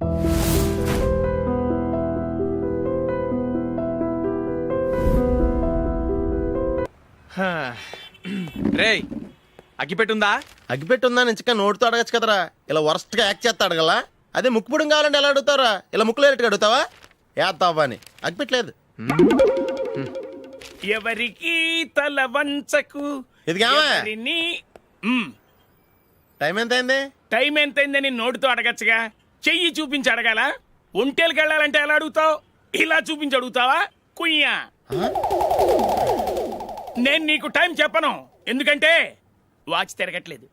రేయ్ అగ్గిపెట్టుందా? అగ్గిపెట్టుందా నుంచి నోటితో అడగచ్చు కదరా, ఇలా వరస్ట్ గా యాక్ట్ చేస్తా అడగలా. అదే ముక్కుపుడం కావాలంటే ఎలా అడుగుతారా? ఇలా ముక్కులేటట్టుగా అడుగుతావా? ఏత్తావా అని అగ్గిపెట్టలేదు. ఎవరికి తల వంచకు. ఇది కావా? టైం ఎంత అయింది? టైం ఎంతైందని నోటితో అడగచ్చుగా, చెయ్యి చూపించి అడగాల. ఒంటేలకు వెళ్ళాలంటే ఎలా అడుగుతావు? ఇలా చూపించి అడుగుతావా? కుయ్యా. నేను నీకు టైం చెప్పను, ఎందుకంటే వాచ్ తిరగట్లేదు.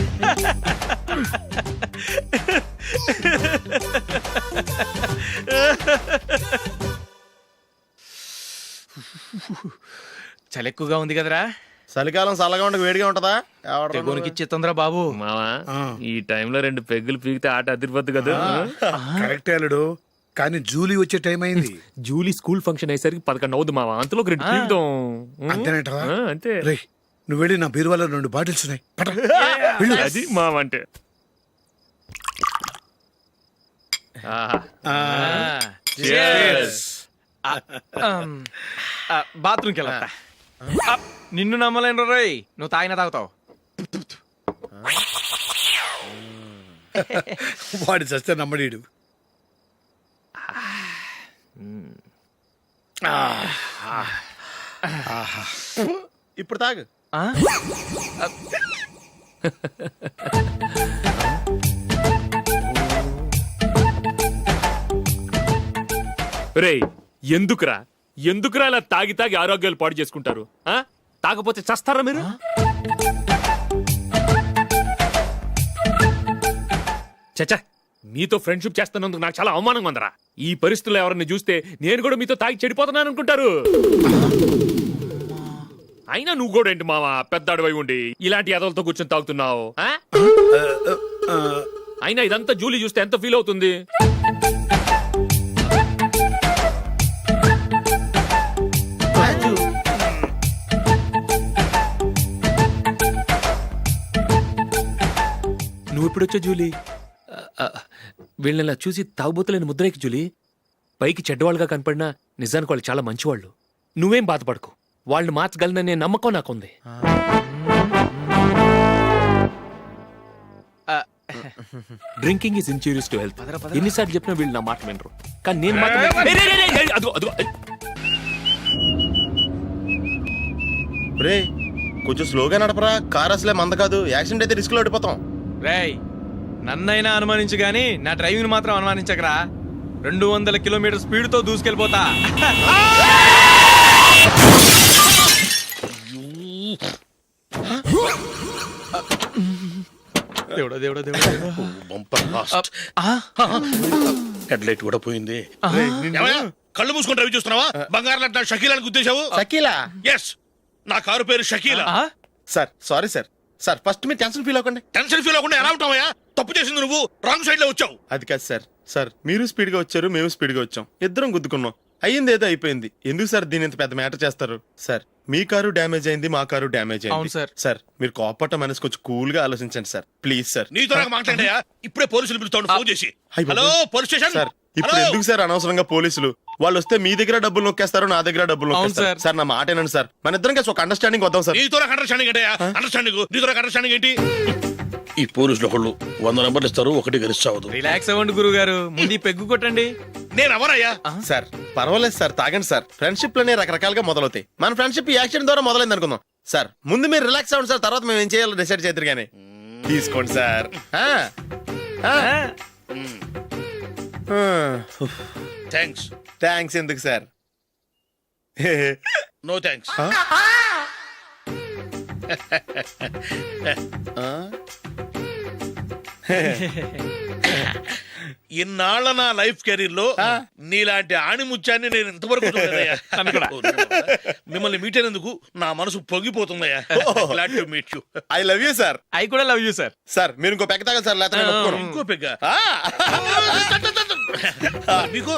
చలి ఎక్కువగా ఉంది కదరా. చలికాలం చల్లగా ఉండక వేడిగా ఉంటదా? తెగోనికి ఇచ్చేతుందిరా బాబు. మావా ఈ టైంలో 2 పెగ్గులు పీకితే ఆట అదిరిపోద్దు కదా. కరెక్ట్ అల్లుడు, కానీ జూలీ వచ్చే టైం అయింది. జూలీ స్కూల్ ఫంక్షన్ అయ్యేసరికి 11 అవుద్ది మావా, అంతలో 2 పీకుతాం. అంతేనేటవా? అంతే. రే నువ్వు వెళ్ళి నా బీరువాలో 2 బాటిల్స్ ఉన్నాయి, పట. అది మావా అంటే. బాత్రూమ్కి వెళ్ళా. నిన్ను నమ్మలేను రోయ్, నువ్వు తాగినా తాగుతావు. వాడి చస్తే నమ్మడీడు. ఇప్పుడు తాగు. రేయ్ ఎందుకురా ఇలా తాగి తాగి ఆరోగ్యాలు పాడు చేసుకుంటారు? తాగపోతే చస్తారా మీరు? చచ్చా, మీతో ఫ్రెండ్షిప్ చేస్తున్నందుకు నాకు చాలా అవమానంగా ఉందరా. ఈ పరిస్థితుల్లో ఎవరిని చూస్తే నేను కూడా మీతో తాగి చెడిపోతున్నాను అనుకుంటారు. అయినా నువ్వు కూడా ఏంటి మావా, పెద్ద అడవై ఉండి ఇలాంటి ఎదలతో కూర్చొని తాగుతున్నావు? అయినా ఇదంతా జూలీ చూస్తే ఎంత ఫీల్ అవుతుంది? నువ్వు ఇప్పుడొచ్చా జూలీ? వీళ్ళని చూసి తాగుబోతులేని ముద్రేకి జూలీ. పైకి చెడ్డవాళ్ళుగా కనపడినా నిజానికి వాళ్ళు చాలా మంచివాళ్ళు. నువ్వేం బాధపడకు, వాళ్ళని మార్చగలననే నమ్మకం నాకుంది. Drinking is injurious to health. ఎన్నిసార్లు చెప్పినా వీళ్ళు నా మాట వినరు, కానీ నేను మాత్రం. రే కొంచెం స్లోగా నడపరా, కార్ అసలే మంద కాదు. యాక్సిడెంట్ అయితే రిస్క్ లో ఓడిపోతాం. రేయ్ నన్నైనా అనుమానించు గాని నా డ్రైవింగ్ మాత్రం అనుమానించకరా. 200 కిలోమీటర్ స్పీడ్ తో దూసుకెళ్ళిపోతా. దేవుడా దేవుడా దేవుడా. హెడ్ లైట్ కూడా పోయింది. కళ్ళు మూసుకొని డ్రైవ్ చూస్తున్నావా? బంగారం లాంటి షకీలాని గుద్దేశావు. షకీలా? ఎస్, నా కారు పేరు Shakeela. Sir sorry sir. Sir first మీరు టెన్షన్ ఫీల్ అవ్వకండి. టెన్షన్ ఫీల్ అవ్వకుండా ఎలా ఉంటావయ్యా? తప్పు చేసింది నువ్వు, రాంగ్ సైడ్ లో వచ్చావు. అది కాదు సార్. సార్ మీరు స్పీడ్ గా వచ్చారు, మేము స్పీడ్ గా వచ్చాం, ఇద్దరం గుద్దుకున్నాం. అయ్యింది ఏదో అయిపోయింది. ఎందుకు సార్ దీని ఇంత పెద్ద మ్యాటర్ చేస్తారు? సార్ మీ కారు డ్యామేజ్ అయింది, మా కారు డ్యామేజ్ అయింది. సార్ మీరు కోపట్ట మనసు కొంచెం కూల్ గా ఆలోచించండి సార్, ప్లీజ్ సార్. నీతో నాకు మాట్లాడాయా? ఇప్పుడే పోలీసులు పిలుస్తాను, ఫోన్ చేసి. Hello police station. సార్ ఇప్పుడు ఎందుకు సార్ అనవసరంగా పోలీసులు? వాళ్ళు వస్తే మీ దగ్గర డబ్బులు నొక్కేస్తారు, నా దగ్గర డబ్బులు నొక్కేస్తారు. సార్ నా మాట ఏనండి సార్, మన ఇద్దరం కలిసి ఒక అండర్స్టాండింగ్ వద్దాం సార్. నీతో నాకు అండర్స్టాండింగ్ ఏంటయ్యా? అండర్స్టాండింగ్ నీతో నాకు అండర్స్టాండింగ్ ఏంటి? ఈ పోలీసులు ఒకళ్ళు 100 నెంబర్లు ఇస్తారు, ఒకటి గెలిచావదు. రిలాక్స్ అవ్వండి గురువు గారు, ముందు పెగ్గు కొట్టండి. నేను ఎవరయ్యా? సార్ పర్వాలేదు సార్, తాగండి సార్. ఫ్రెండ్షిప్ లోనే రకరకాలుగా మొదలవుతాయి. మన ఫ్రెండ్షిప్ ఈ యాక్సిడెంట్ ద్వారా మొదలైంది అనుకుందాం. సార్ ముందు మీరు రిలాక్స్ అవ్వండి సార్, తర్వాత మేము ఏం చేయాలో డిసైడ్ చేద్దరు కానీ. తీసుకోండి సార్. థ్యాంక్స్. థ్యాంక్స్ ఎందుకు సార్? No thanks. ఇన్నాళ్ళ నా లైఫ్ కెరీర్ లో నీలాంటి ఆణిముత్యాన్ని నేను ఇంతవరకు చూడలేదయ్యా. మిమ్మల్ని మీట్ అయినందుకు నా మనసు పొంగిపోతుందయ్యా. Glad to meet you. I love you sir. I కూడా లవ్ యూ సార్. సార్ మీరు ఇంకో పెగ్గ తాగండి సార్, లేకపోతే ఇంకో పెగ్గ మీకు.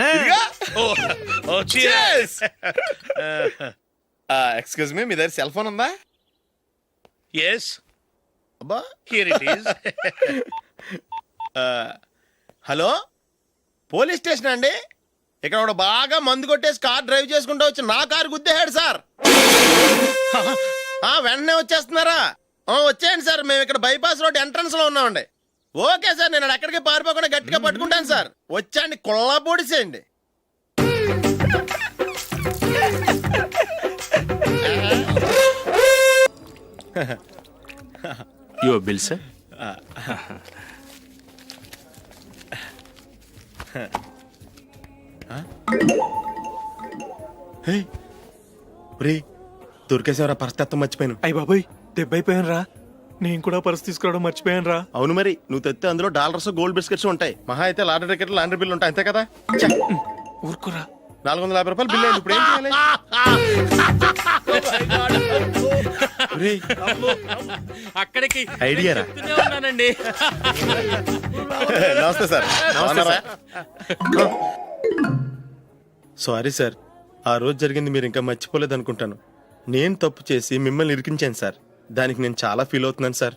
ఎక్స్క్యూజ్ మీ, మీ దగ్గర సెల్ ఫోన్ ఉందా? ఎస్, అబ్బా here it is. Hello police station అండి. ఇక్కడ ఒకడు బాగా మందు కొట్టేసి కార్ డ్రైవ్ చేసుకుంటూ వచ్చి నా కారు గుద్దేశాడు సార్. వెంటనే వచ్చేస్తున్నారా? వచ్చేయండి సార్, మేము ఇక్కడ బైపాస్ రోడ్ ఎంట్రన్స్ లో ఉన్నామండి. ఓకే సార్, నేను ఎక్కడికి పారిపోకుండా గట్టిగా పట్టుకుంటాను సార్. వచ్చాండి, కుళ్ళ పొడిసేయండి. Your bill sir. దొరికేసేవరా, పరిస్థితి మర్చిపోయాను. అయ్య బాబాయ్, దెబ్బైపోయాను రా. నేను కూడా పర్స్ తీసుకురావడం మర్చిపోయాను రా. అవును మరి, నువ్వు తెస్తే అందులో డాలర్స్ గోల్డ్ బిస్కెట్స్ ఉంటాయి. మహా అయితే లాటరీ టికెట్ లాండ్రీ బిల్లు ఉంటాయి, అంతే కదా. ఊరుకురా. 450 రూపాయలు బిల్లు అయింది. ఇప్పుడు ఏం చేయాలి? ఒరేయ్, అక్కడికి ఐడియా రా. చెప్తూనే ఉన్నానండి. నమస్తే సార్. బాగున్నారా? సారీ సార్, ఆ రోజు జరిగింది మీరు ఇంకా మర్చిపోలేదు అనుకుంటాను. నేను తప్పు చేసి మిమ్మల్ని ఇరికించాను సార్. దానికి నేను చాలా ఫీల్ అవుతున్నాను సార్.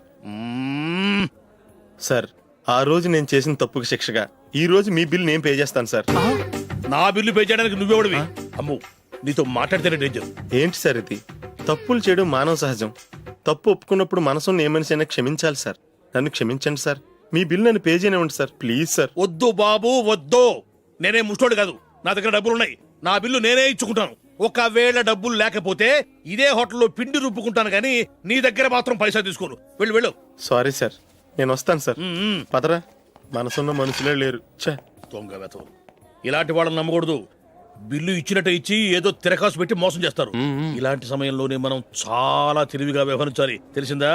సార్, ఆ రోజు నేను చేసిన తప్పుకి శిక్షగా ఈ రోజు మీ బిల్ నేను పే చేస్తాను సార్. నా బిల్లు పే చేయడానికి నువ్వెవడివి? అమ్ము, నీతో మాట్లాడితేనే డేంజర్. ఏంటి సార్ ఇది? తప్పులు చేయడం మానవ సహజం. తప్పు ఒప్పుకున్నప్పుడు మనసుని ఏ మనిషి అయినా క్షమించాలి సార్. నన్ను క్షమించండి సార్. మీ బిల్ నన్ను పే చేయనివ్వండి సార్, ప్లీజ్ సార్. వద్దు బాబు, వద్దు. నేనే ముష్టోడు కాదు, నా దగ్గర డబ్బులున్నాయి. నా బిల్లు నేనే ఇచ్చుకుంటాను. ఒకవేళ డబ్బులు లేకపోతే ఇదే హోటల్లో పిండి రుబ్బుకుంటాను, కానీ నీ దగ్గర మాత్రం పైసా తీసుకోను. వెళ్ళు వెళ్ళు. సారీ సార్, నేను వస్తాను సార్. పదరా, మనసున్న మనుషులే లేరు. ఛే, దొంగ వెతవు. ఇలాంటి వాళ్ళని నమ్మకూడదు. బిల్లు ఇచ్చినట్టు ఇచ్చి ఏదో తిరకాసు పెట్టి మోసం చేస్తారు. ఇలాంటి సమయంలోనే మనం చాలా తెలివిగా వ్యవహరించాలి, తెలిసిందా?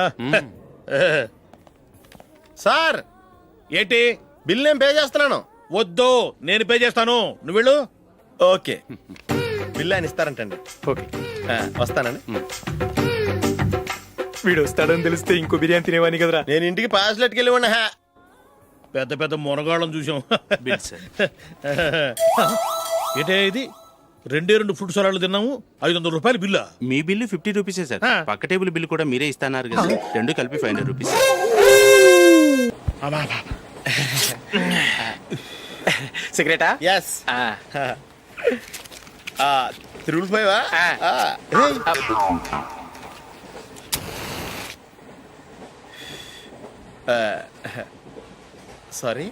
సార్ ఏంటి? బిల్ నేను పే చేస్తున్నాను. వద్దు, నేను పే చేస్తాను, నువ్వు వెళ్ళు. ఓకే, బిల్ ఆయన ఇస్తారంటండి. ఓకే, వస్తానండి. వీడు వస్తాడని తెలిస్తే ఇంకో బిర్యానీ తినేవాని కదరా. నేను ఇంటికి పాస్లెట్కి వెళ్ళి ఉన్నా. పెద్ద పెద్ద మునగాళ్ళం చూసాం. Bill sir. ఏంటే ఇది? 2 ఫుడ్ సలాడ్లు తిన్నాము, 500 రూపాయలు బిల్లా? మీ బిల్లు 50 రూపీసే సార్. పక్క టేబుల్ బిల్లు కూడా మీరే ఇస్తాన్నారు కదా, రెండు కలిపి 500 రూపీస్. సిగరెటా? ఎస్. 3 సారీ.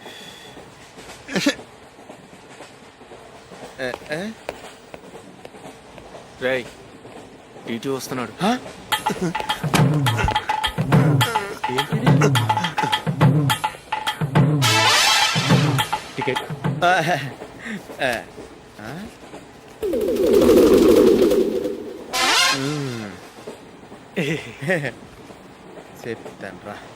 రేయ్, ఇటు వస్తున్నాడు. టికెట్. చెప్తాను రా.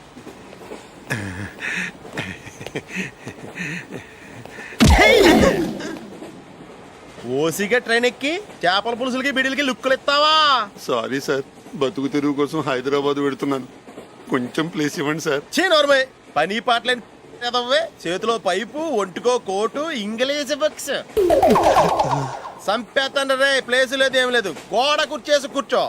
ఓసిగా ట్రైన్ ఎక్కి చేపల పులుసులకి బిడిలకి లుక్కులు ఇస్తావా? సారీ సార్, బతుకు తెరువు కోసం హైదరాబాద్ పెడుతున్నాను, కొంచెం ప్లేస్ ఇవ్వండి సార్. నోర్మై, పని పాటలేని ఎదవ్వే. చేతిలో పైపు, ఒంటికో కోటు, ఇంగ్లీష్ బుక్స్. సంపేతండ్రి రే, ప్లేస్ లేదు ఏం లేదు, గోడ కుర్చేసి కూర్చో.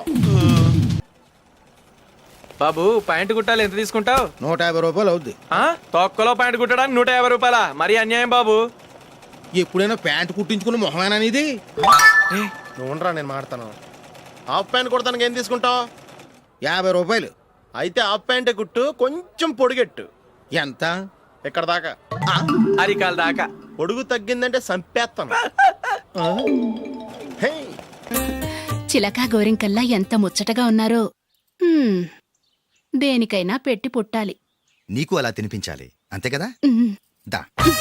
బాబు, ప్యాంటు కుట్టాలి, ఎంత తీసుకుంటావు? 150 రూపాయలు అవుద్ది. తొక్కలో ప్యాంటు కుట్టడానికి 150 రూపాయలా? మరి అన్యాయం బాబు. ఎప్పుడైనా ప్యాంట్ కుట్టించుకున్న మొహమేనా ఇది? నువ్వురా, నేను మాడతాను. హాఫ్ ప్యాంట్ కుడతానికి ఏం తీసుకుంటావు? 50 రూపాయలు. అయితే హాఫ్ ప్యాంటే కుట్టు, కొంచెం పొడిగెట్టు. ఎంత? ఇక్కడ దాకా, అరికాల దాకా. పొడుగు తగ్గిందంటే సంపేస్తాను. హే, చిలకా గోరింకల్లా ఎంత ముచ్చటగా ఉన్నారో. దేనికైనా పెట్టి పుట్టాలి. నీకు అలా తినిపించాలి, అంతే కదా? దా.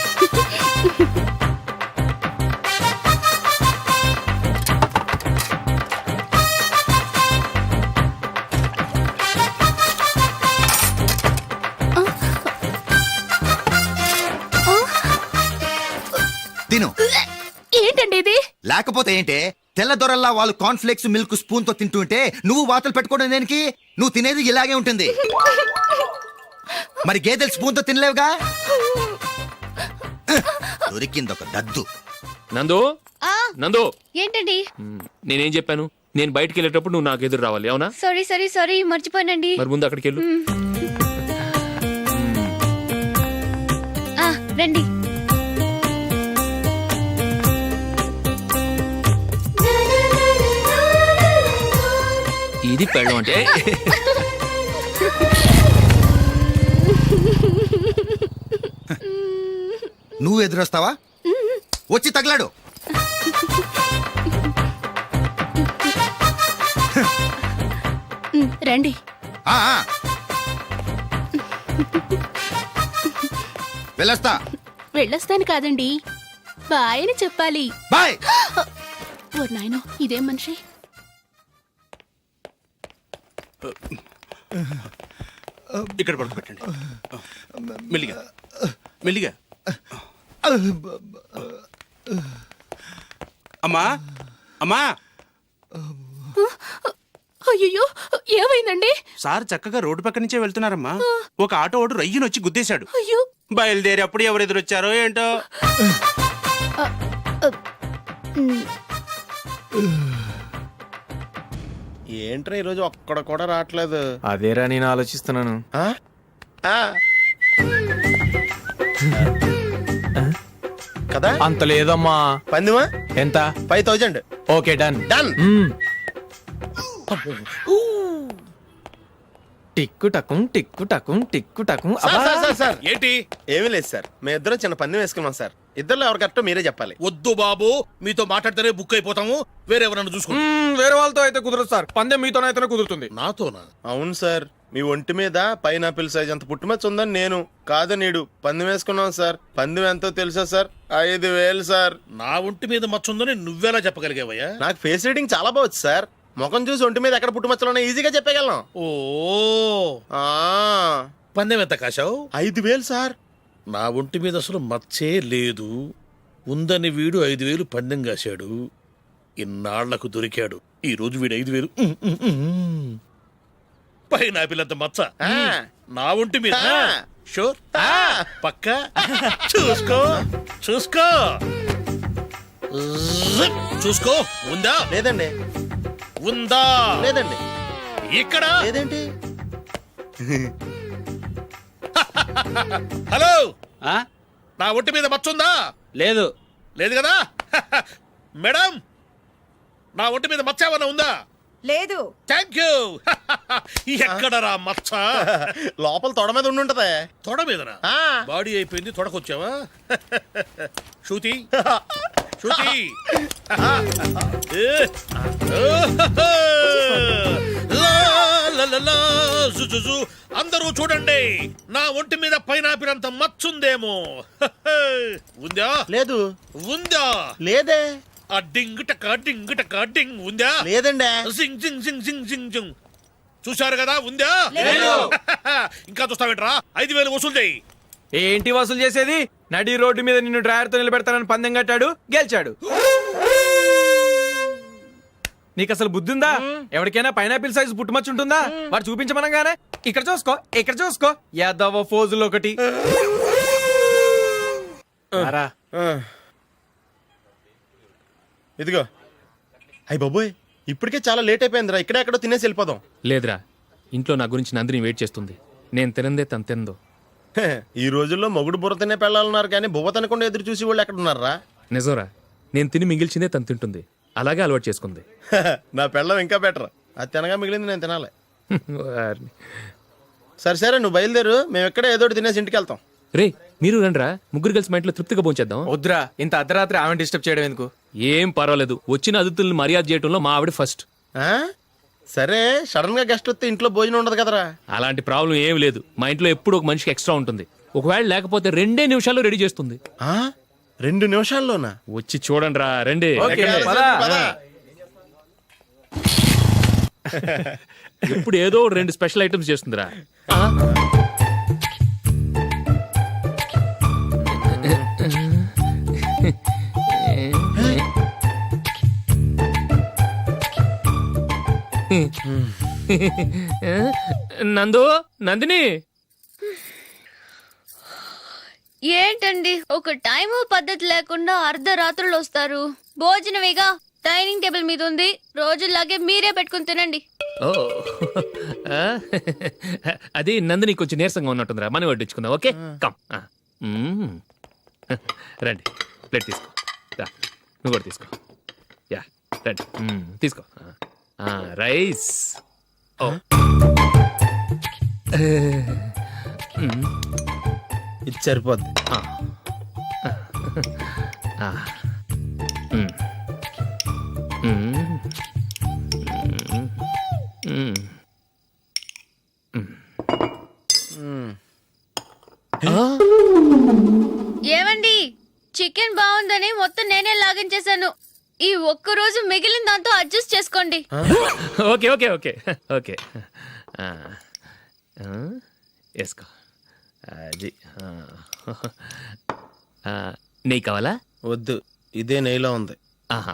తిను. ఏంటండి ఇది? లేకపోతే ఏంటే, తెల్లదొరల్లా వాళ్ళు కార్న్ఫ్లేక్స్ మిల్క్ స్పూన్ తో తింటుంటే నువ్వు వాతలు పెట్టుకోవడం దేనికి? నువ్వు తినేది ఇలాగే ఉంటుంది. మరి గేదెలు స్పూన్ తో తినలేవుగా. దొరికింది ఒక దద్దు. నందు, నందు, ఏంటండి? నేనేం చెప్పాను? నేను బయటికి వెళ్ళేటప్పుడు నువ్వు నాకు ఎదురు రావాలి, అవునా? సారీ మర్చిపోయానండి. మరి ముందు అక్కడికి వెళ్ళు. రండి. ఇది పెళ్ళం అంటే. నువ్వు ఎదురొస్తావా? వచ్చి తగలాడు. రండి. ఆ, ఆ. వెళ్ళొస్తా. వెళ్ళొస్తాను కాదండి, బాయ్ అని చెప్పాలి. బాయ్. ఓ నాయనో, ఇదేం మనిషి. ఇక్కడ పడుకోబెట్టండి. మెల్లిగా మెల్లిగా. అమ్మా అమ్మా, అయ్యో, ఏమైందండి? సార్ చక్కగా రోడ్డు పక్క నుంచే వెళ్తున్నారమ్మా. ఒక ఆటో ఓడు రయ్యను వచ్చి గుద్దేశాడు. అయ్యో. బయలుదేరి అప్పుడు ఎవరు ఎదురొచ్చారో ఏంటో. ఏంట్రా ఈరోజు ఒక్కడ కూడా రావట్లేదు. అదేరా నేను ఆలోచిస్తున్నాను. ఆ? ఆ. కదా అంత లేదమ్మా. పందిమా ఎంత? 5000. Okay, done. డన్. టిక్కు టకుం టిక్కు టకుం టిక్కు టకుం. సార్ ఏంటి? ఏమీ లేదు సార్, మేము ఇద్దరం చిన్న పందెం వేసుకున్నాం సార్. ఇద్దరు ఎవరు కరెక్టో మీరే చెప్పాలి. వద్దు బాబు, మీతో మాట్లాడితేనే బుక్ అయిపోతాము. వేరే ఎవరన్నా చూసుకోండి. వేరే వాళ్ళతో అయితే కుదరదు సార్, పందెం మీతోనైతేనే కుదురుతుంది. నాతోనా? అవును సార్, మీ ఒంటి మీద పైనాపిల్ సైజ్ అంత పుట్టుమచ్చ ఉందని నేను కాదు నీడు పందెం వేసుకున్నాం సార్. పందెం ఎంతో తెలుసా సార్? 5000 సార్. నా ఒంటి మీద మచ్చ ఉందని నువ్వెలా చెప్పగలిగావయ్యా? నాకు ఫేస్ రీడింగ్ చాలా బాగుంది సార్. ముఖం చూసి ఒంటి మీద ఎక్కడ పుట్టుమచ్చలో ఈజీగా చెప్పగలం. ఓ, ఆ, పందెం ఎంత కాశావు? 5000 సార్. నా ఒంటి మీద అసలు మచ్చే లేదు. ఉందని వీడు 5000 పందెం కాశాడు. ఇన్నాళ్లకు దొరికాడు. ఈ రోజు వీడు 5000. పైన పిల్లంత మచ్చ నా ఒంటి మీద. షూర్? పక్క చూసుకో చూసుకో చూసుకో. ఉందా? లేదండి. ఉందా? లేదండి. ఇక్కడ లేదేంటి? హలో, ఆ? నా ఒంటి మీద మచ్చ ఉందా? లేదు. లేదు కదా? మేడం, నా ఒంటి మీద మచ్చ ఏమన్నా ఉందా? లేదు. Thank you. ఎక్కడరా మచ్చ? లోపల తొడ మీద ఉండుంటదే. తొడ మీదనా? బాడీ అయిపోయింది, తొడకొచ్చావా? శృతి శృతి. అందరూ చూడండి, నా ఒంటి మీద పైనాపిల్ అంత మచ్చుందేమో. ఉందా? లేదు. ఉందా? లేదే. ఆ డింగ్ టక డింగ్ టక డింగ్ ఉందా? లేదండి. జింగ్ జింగ్ జింగ్ జింగ్ జింగ్ జింగ్. చూశారు కదా? ఉందా? ఇంకా చూస్తావేంట్రా? 5000 వసూలు చేయి. ఏంటి వసూలు చేసేది? నడి రోడ్డు మీద నిన్ను డ్రైవర్తో నిలబెడతానని పందెం కట్టాడు, గెలిచాడు. నీకు అసలు బుద్ధి ఉందా? ఎవరికైనా పైనాపిల్ సైజ్ పుట్టుమచ్చు ఉంటుందా? వాడు చూపించమనగానే ఇక్కడ చూసుకో ఇక్కడ చూసుకో యాదవ ఫోజులు ఒకటి. ఇదిగో. అయ్య బాబోయ్, ఇప్పటికే చాలా లేట్ అయిపోయిందిరా. ఇక్కడే ఎక్కడో తినేసి వెళ్ళిపోదాం. లేదురా, ఇంట్లో నా గురించి నందిని వెయిట్ చేస్తుంది. నేను తినందే తను తిందో. ఈ రోజుల్లో మొగుడు బుర్ర తినే పెళ్ళాలన్నారు కానీ బువ్వ తినకుండా ఎదురు చూసి వాళ్ళు ఎక్కడ ఉన్నారా? నిజంరా, నేను తిని మిగిల్చిందే తను తింటుంది. అలాగే అలవాటు చేసుకుంది. నా పెళ్ళం ఇంకా బెటర్. అది తినగా మిగిలింది నేను తినాలి. వారిని. సరే సరే, నువ్వు బయలుదేరు. మేము ఎక్కడ ఏదో ఒకటి తినేసి ఇంటికి వెళ్తాం. రే, మీరు రండ్రా, ముగ్గురు కలిసి మా ఇంట్లో తృప్తిగా పోంచేద్దాం. వద్దురా, ఇంత అర్ధరాత్రి ఆమె డిస్టర్బ్ చేయడం ఎందుకు? ఏం పర్వాలేదు, వచ్చిన అతిథులను మర్యాద చేయడంలో మా ఆవిడ ఫస్ట్. ఆ? సరే, సడన్ గా గెస్ట్ వస్తే ఇంట్లో భోజనం ఉండదు కదరా. అలాంటి ప్రాబ్లం ఏం లేదు. మా ఇంట్లో ఎప్పుడు ఒక మనిషికి ఎక్స్ట్రా ఉంటుంది. ఒకవేళ లేకపోతే 2 నిమిషాల్లో రెడీ చేస్తుంది. 2 నిమిషాల్లోనా? వచ్చి చూడండి రా, రండి. ఎప్పుడు ఏదో 2 స్పెషల్ ఐటమ్స్ చేస్తుందిరా. నందు, నందిని. ఏంటండి ఒక టైము పద్ధతి లేకుండా అర్ధరాత్రులు వస్తారు? భోజనమేగా డైనింగ్ టేబుల్ మీద ఉంది, రోజుల్లాగే మీరే పెట్టుకుని తినండి. ఓ, అది నందిని కొంచెం నీరసంగా ఉన్నట్టుందిరా, మనం వడ్డించుకుందాం. Okay, come. రండి, ప్లేట్ తీసుకో. నువ్వు కూడా తీసుకో. యా, రండి, తీసుకో. రైస్. ఇది సరిపోద్ది. ఏమండి చికెన్ బాగుందని మొత్తం నేనే లాగించేశాను. ఈ ఒక్క రోజు మిగిలిన దాంతో అడ్జస్ట్ చేసుకోండి. ఓకే ఓకే ఓకే ఓకే వేసుకో. అది నెయ్యి కావాలా? వద్దు, ఇదే నెయ్యిలో ఉంది. ఆహా.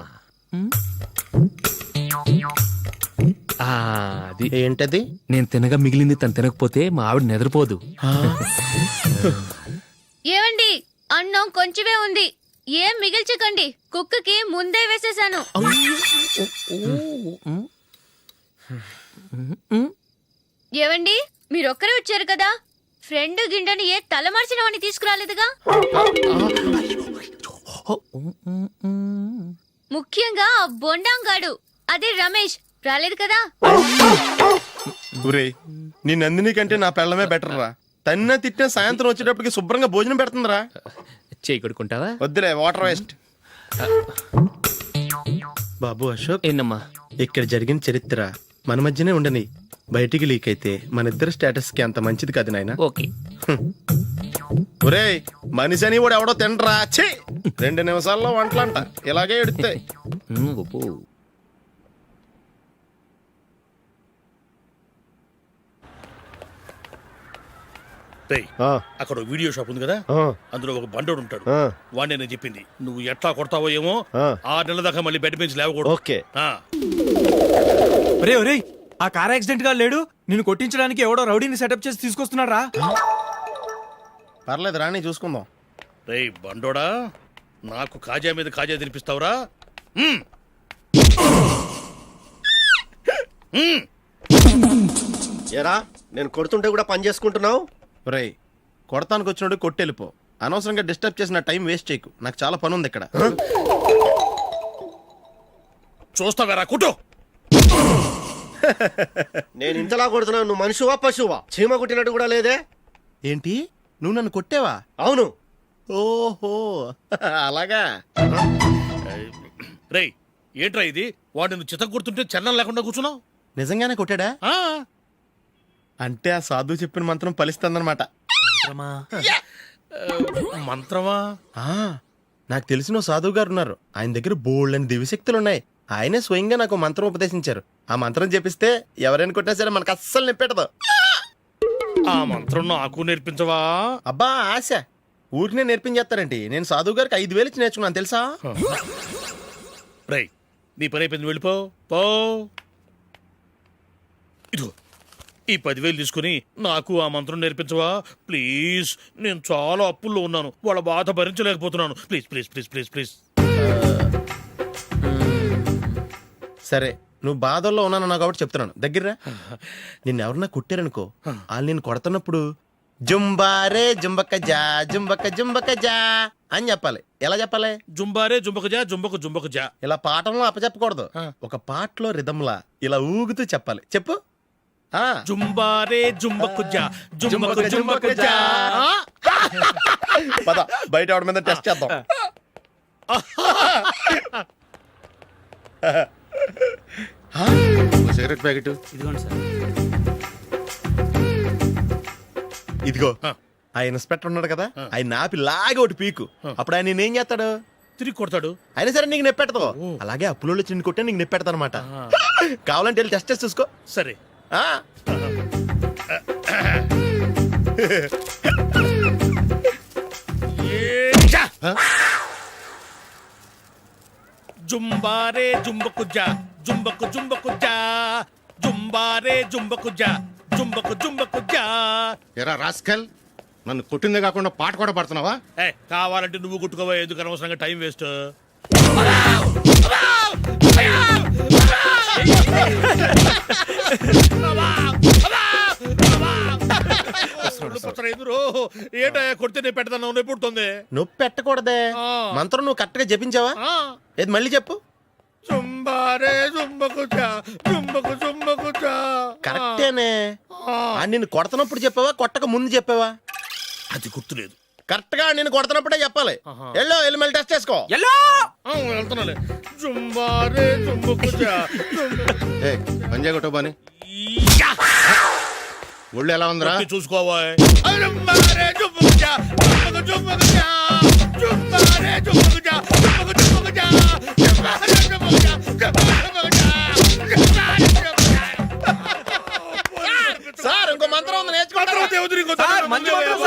అది ఏంటది? నేను తినగా మిగిలింది తను తినకపోతే మా ఆవిడ నిద్రపోదు. ఏమండి అన్నం కొంచెమే ఉంది, ఏం మిగిల్చకండి. కుక్కకి ముందే వేసేసాను. ఏవండి మీరొక్కరే వచ్చారు కదా, ఫ్రెండ్ గిండెని ఏ తలమార్చిన వాడిని తీసుకురాలేదుగా? ముఖ్యంగా ఆ బొండాంగాడు అదే రమేష్ రాలేదు కదా? ఊరే, నీ నందిని కంటే నా పెళ్ళమే బెటర్ రా. తన్న తిట్టిన సాయంత్రం వచ్చేటప్పటికి శుభ్రంగా భోజనం పెడుతుందిరా. చేయి కొడుకుంటావా? వద్దులే, వాటర్ వేస్ట్. బాబు అశోక్, ఏంటమ్మా? ఇక్కడ జరిగిన చరిత్ర మన మధ్యనే ఉండని, బయటికి లీక్ అయితే మన ఇద్దరు స్టేటస్ కి అంత మంచిది కాదు నాయన. ఓకే. ఒరే, మనిషి అని వాడు ఎవడో తినరా. ఛీ, 2 నిమిషాల్లో వంటలంట ఇలాగే ఎడుతాయి. అక్కడ వీడియో షాప్ ఉంది కదా, అందులో ఒక బండోడు ఉంటాడు. వాడిని నేను చెప్పింది, నువ్వు ఎట్లా కొడతావో ఏమో, 6 నెలల దాకా మళ్ళీ బెడ్ బెంచ్ లేవకూడదు. ఓకే. ఒరే ఒరే, ఆ కార్ యాక్సిడెంట్ గా లేడు, నిన్ను కొట్టించడానికి ఎవడో రౌడీని సెటప్ చేసి తీసుకొస్తున్నారా? పర్లేదు రాని, చూసుకుందాం. రేయ్ బండోడా, నాకు కాజా మీద కాజా తినిపిస్తావురా? ఎరా, నేను కొడుతుంటే కూడా పని చేసుకుంటున్నావు. ఒరే, కొడతానికి వచ్చినోడు కొట్టెళ్ళిపో. అనవసరంగా డిస్టర్బ్ చేసిన టైం వేస్ట్ చేయకు, నాకు చాలా పని ఉంది ఇక్కడ. చూస్తావేరా కుట్టు. నేను ఇంతలా కొడుతున్నావు, నువ్వు మనిషివా పశువా? చీమ కుట్టినట్టు కూడా లేదే. ఏంటి, నువ్వు నన్ను కొట్టేవా? అవును. ఓహో, అలాగా. రేయ్ ఏంట్రా ఇది, వాడు నువ్వు చిత్త గుర్తుంటే చలనం లేకుండా కూర్చున్నావు. నిజంగానే కొట్టాడా? అంటే ఆ సాధువు చెప్పిన మంత్రం ఫలిస్తుందన్నమాట. మంత్రమా? నాకు తెలిసిన ఓ సాధువు గారు ఉన్నారు, ఆయన దగ్గర బోల్డ్ అని దివ్యశక్తులు ఉన్నాయి. ఆయనే స్వయంగా నాకు మంత్రం ఉపదేశించారు. ఆ మంత్రం చెప్పిస్తే ఎవరైనా కొట్టినా సరే మనకు అస్సలు నిప్పెట్టదు. ఆ మంత్రం నాకు నేర్పించవా? అబ్బా ఆశ, ఊరినే నేర్పించేస్తారండి. నేను సాధువు గారికి 5,000 ఇచ్చి నేర్చుకున్నాను తెలుసా? రేయ్ నీ పని అయిపోయింది, వెళ్ళిపో పో. ఇదిగో ఈ 10,000 తీసుకుని నాకు ఆ మంత్రం నేర్పించవా ప్లీజ్? నేను చాలా అప్పుల్లో ఉన్నాను, వాళ్ళ బాధ భరించలేకపోతున్నాను. Please please please please please. సరే, నువ్వు బాధల్లో ఉన్నాను నాకు కాబట్టి చెప్తున్నాను. దగ్గర నిన్ను ఎవరన్నా కుట్టారనుకో, వాళ్ళు నేను కొడుతున్నప్పుడు జుంబారే జుంబక జా జుంబక జుంబక జా అని చెప్పాలి. ఎలా చెప్పాలి? జుంబారే జుంబక జా జుంబక జుంబక జా. ఇలా పాఠంలో అప్పచెప్పకూడదు, ఒక పాటలో రిధంలా ఇలా ఊగుతూ చెప్పాలి. చెప్పు. జుంబారే జుంబకు జా జుంబకు జుంబకు జా. పద బయట ఆవిడ మీద టెస్ట్ చేద్దాం. సిగరెట్ ప్యాకెట్ ఇదిగోండి సార్. ఇదిగో, ఆ ఇన్స్పెక్టర్ ఉన్నాడు కదా, ఆయన ఆపి లాగే ఒకటి పీకు. అప్పుడు ఆయన నేనేం చేస్తాడు? తిరిగి కొడతాడు. అయినా సరే నీకు నెప్పెడతావు. అలాగే అప్పులో చిన్న కొట్టే నీకు నెప్పెడతా అనమాట. కావాలంటే వెళ్ళి టెస్ట్ చేసి చూసుకో. సరే. జుంబారే జుంబకు జా జుంబకు జుంబకు జా జుంబారే జుంబకు జా జుంబకు జుంబకు జా. ఎరా రాస్కల్, నన్ను కొట్టిందే కాకుండా పాట కూడా పడుతున్నావా? కావాలంటే నువ్వు కొట్టుకోవా, ఎందుకు అనవసరంగా టైం వేస్ట్. ఏటా కొడితే నేను పెడతాను, నొప్పి పుడుతుంది. నొప్పి పెట్టకూడదే. మంత్రం నువ్వు కరెక్ట్ గా జపించావా? ఏది మళ్ళీ చెప్పు. చుంబారే చుంబకుచా చుంబకు చుంబకుచా. కరెక్టేనే నిన్ను కొడుతున్నప్పుడు చెప్పావా కొట్టక ముందు చెప్పావా? అది గుర్తులేదు. కరెక్ట్ గా నిన్ను కొడుతున్నప్పుడే చెప్పాలి. వెళ్ళి మళ్ళీ టెస్ట్ చేసుకో. వెళ్తున్నాలే. చుంబారే చుంబకుచా. పంజా కొట్టబాని ఒళ్ళు ఎలా ఉందిరా? చూసుకోవా. చుంబారే చుంబకుచా చుంబకు చుంబకుచా. చుంబారే చుంబకుచా చుంబకు చుంబకుచా. చుంబారే చుంబకుచా చుంబకు చుంబకుచా. చుంబారే చుంబకుచా. సార్ ఇంకో మంత్రం ఉంది నేర్చుకుంటారా? దేవుడి సార్, మంచి మంత్రం